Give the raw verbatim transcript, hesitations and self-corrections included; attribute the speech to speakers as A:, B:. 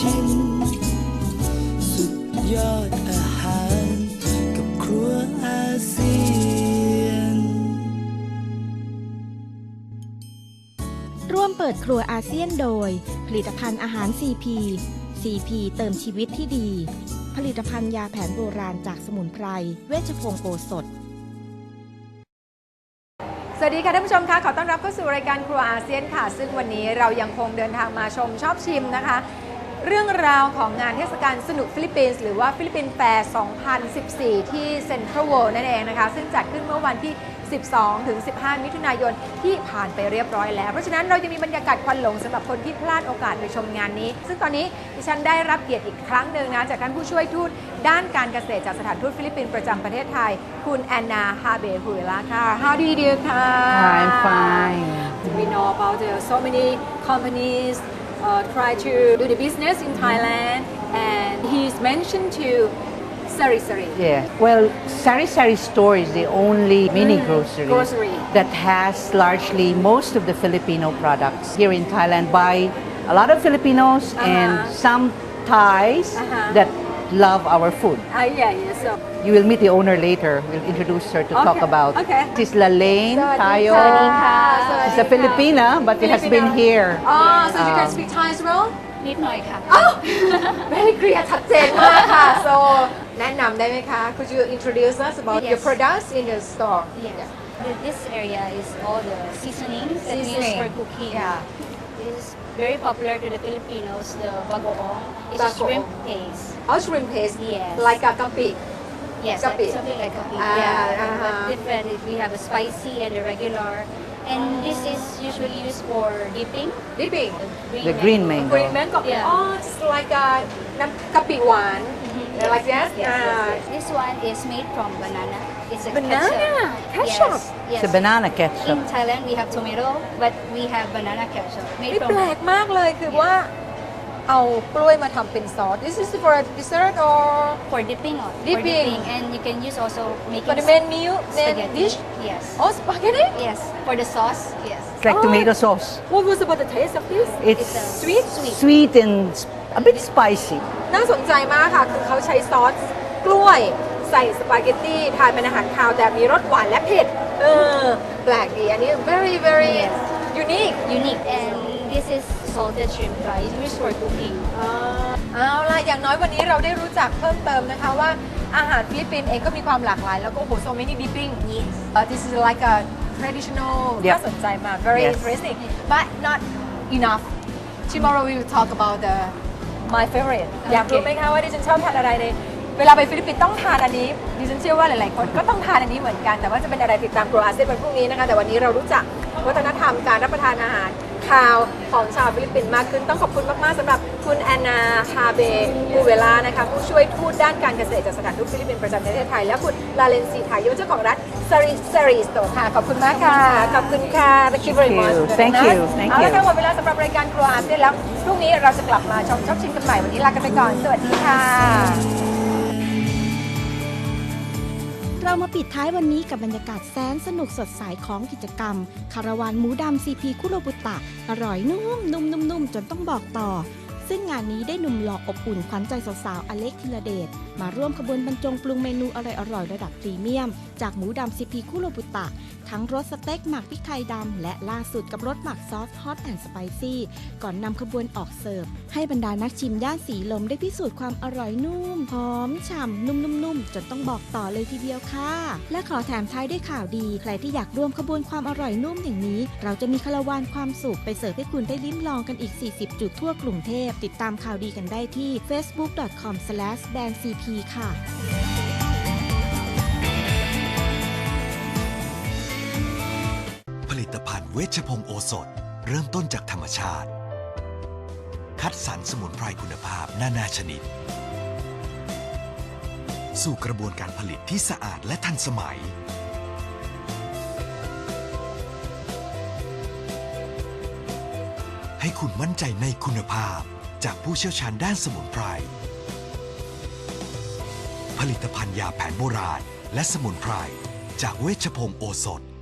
A: ชิมสุดยอดอาหารกับครัวอาเซียน
B: ร่วมเปิดครัวอาเซียนโดยผลิตภัณฑ์อาหาร ซี พี ซี พี เติมชีวิตที่ดีผลิตภัณฑ์ยาแผนโบราณจากสมุนไพรเวชพงศ์โอสถ
C: สวัสดีค่ะท่านผู้ชมค่ะขอต้อนรับเข้าสู่รายการครัวอาเซียนค่ะซึ่งวันนี้เรายังคงเดินทางมาชมชอบชิมนะคะเรื่องราวของงานเทศกาลสนุกฟิลิปปินส์หรือว่าฟิลิปปินส์แฟร์ สองพันสิบสี่ ที่เซ็นทรัลเวิลด์นั่นเองนะคะซึ่งจัดขึ้นเมื่อวันที่ สิบสองถึงสิบห้า มิถุนายนที่ผ่านไปเรียบร้อยแล้วเพราะฉะนั้นเราจะมีบรรยากาศควันหลงสำหรับคนที่พลาดโอกาสไปชมงานนี้ซึ่งตอนนี้ดิฉันได้รับเกียรติอีกครั้งหนึ่งนะจากท่านผู้ช่วยทูตด้านการเกษตรจากสถานทูตฟิลิปปินส์ประจำประเทศไทยคุณแอนนา ฮาเบฮุเอลาค่ะ How do you do ค่ะ
D: I'm fine.
C: We know about uh, so many companies uh, try to do the business in Thailand and he's mentioned to Sari Sari.
D: Yeah. Well, Sari Sari store is the only mini
C: Mm,
D: grocery,
C: grocery.
D: that has largely most of the Filipino products here in Thailand by a lot of Filipinos
C: Uh-huh.
D: and some Thais
C: Uh-huh.
D: that love our food.
C: Uh, yeah, yeah, so.
D: You will meet the owner later. We'll introduce her to talk
C: Okay,
D: about.
C: okay.
D: This is Lalaine
C: สวัสดี
D: Tayo.
C: ค่ะ
D: She's a Filipina, but she has been here.
C: Oh, so you can
D: Um,
C: speak Thai as well?
E: นิดหน่อยค่ะ
C: Oh, very clear ชัดเจนมากค่ะ so แนะนำได้ไหมคะ Could you introduce us about your
E: Yes.
C: products in the store?
E: Yes. Th- This area is all the seasonings that we use
C: Seasoning.
E: for cooking.
C: Yeah.
E: It is very popular to the Filipinos, the bagoong. It's a
C: Bagoong.
E: shrimp paste.
C: Oh, shrimp paste.
E: Yes.
C: Like a kapi.
E: Yes,
C: Kapi.
E: like something like kapi.
C: Ah,
E: yeah,
C: uh-huh.
E: but different. We have a spicy and a regular. And this is usually used for dipping.
C: Dipping.
D: The green mango.
C: Green mango.
E: Yeah.
C: Oh, it's like a น้ำกะปิหวาน Like that?
E: Yes,
C: Ah.
E: yes, yes. This one is made from banana. It's a
C: Banana?
E: ketchup.
C: Ketchup?
E: Yes,
D: It's
E: yes.
D: a banana ketchup.
E: In Thailand, we have tomato, but we have banana ketchup
C: นี่
E: made
C: แปล
E: from
C: กมากเลยคือว่าเอากล้วยมาทำเป็นซอส This is for a dessert or
E: for dipping on. For
C: Dipping.
E: dipping, and you can use also making
C: for the main meal main
E: spaghetti.
C: dish?
E: Yes.
C: Oh, spaghetti?
E: Yes. For the sauce. Yes.
D: It's like
C: Oh.
D: tomato sauce.
C: What was about the taste of this?
D: It's
E: It's a
C: Sweet?
E: Sweet.
D: sweet and s- a bit spicy.
C: น่าสนใจมากค่ะ คือเขาใช้ซอสกล้วยใส่สปาเกตตี้ทานเป็นอาหารคาวแต่มีรสหวานและเผ็ด เออ แปลกดี อันนี้ very very
E: Yes.
C: unique
E: Unique. And this is salted shrimp fry. It's used for cooking.
C: อ่าเอาล่ะ อย่างน้อยวันนี้เราได้รู้จักเพิ่มเติมนะคะว่าอาหารฟิลิปปินส์เองก็มีความหลากหลาย แล้วก็โอ้โห so many dipping
E: Yes.
C: uh, this is like a traditional
D: Yep.
C: น่าสนใจมาก very
D: Yes.
C: interesting but not enough tomorrow we will talk about the my favorite อยากรู้ไหมคะว่าดิฉันชอบทานอะไรในเวลาไปฟิลิปปินส์ต้องทานอันนี้ดิฉันเชื่อว่าหลายๆคนก็ต้องทานอันนี้เหมือนกันแต่ว่าจะเป็นอะไรติดตามครัวอาเซียนวันพรุ่งนี้นะคะแต่วันนี้เรารู้จักวัฒนธรรมการรับประทานอาหารคาวของชาวฟิลิปปินส์มากขึ้นต้องขอบคุณมากๆสำหรับคุณแอนนา ฮาเบฮูเวลานะคะผู้ช่วยทูตด้านการเกษตรจากสถานทูตฟิลิปปินส์ประจำประเทศไทยและคุณลาเลนซีไทยเจ้าของร้านซาริซาริสโตค่ะขอบคุณมากค่ะขอบคุณค่ะ Thank you very much
D: Thank you. Thank
C: เอาละ
D: you.
C: ค่ะหมดเวลาสำหรับรายการครัวอาเซียนแล้วพรุ่งนี้เราจะกลับมาชมชอบชิมกันใหม่วันนี้ลากันไปก่อนสวัสดีค่ะ
B: เรามาปิดท้ายวันนี้กับบรรยากาศแสนสนุกสดใสของกิจกรรม คาราวานหมูดำ ซี พี คุโรบุตะ อร่อยนุ่มนุ่มนุ่มนุ่มจนต้องบอกต่อ ซึ่งงานนี้ได้หนุ่มหล่ออบอุ่นขวัญใจสาวๆ อเล็กธีรเดชมาร่วมขบวนบรรจงปรุงเมนูอร่อยๆ ระดับพรีเมียม จากหมูดำ ซี พี คุโรบุตะ ทั้งรสสเต็กหมักพริกไทยดำและล่าสุดกับรสหมักซอสฮอตแอนด์สไปซี่ก่อนนำขบวนออกเสิร์ฟให้บรรดานักชิมย่านสีลมได้พิสูจน์ความอร่อยนุ่มหอมฉ่ำนุ่มๆๆจนต้องบอกต่อเลยทีเดียวค่ะและขอแถมท้ายด้วยข่าวดีใครที่อยากร่วมขบวนความอร่อยนุ่มอย่างนี้เราจะมีคาราวานความสุขไปเสิร์ฟให้คุณได้ลิ้มลองกันอีกสี่สิบจุดทั่วกรุงเทพติดตามข่าวดีกันได้ที่ เฟซบุ๊ก ดอท คอม สแลช แบรนด์ ซี พี ค่ะ
F: ผลิตภัณฑ์เวชพงศ์โอสถเริ่มต้นจากธรรมชาติคัดสรรสมุนไพรคุณภาพนานาชนิดสู่กระบวนการผลิตที่สะอาดและทันสมัยให้คุณมั่นใจในคุณภาพจากผู้เชี่ยวชาญด้านสมุนไพรผลิตภัณฑ์ยาแผนโบราณและสมุนไพรจากเวชพงศ์โอสถ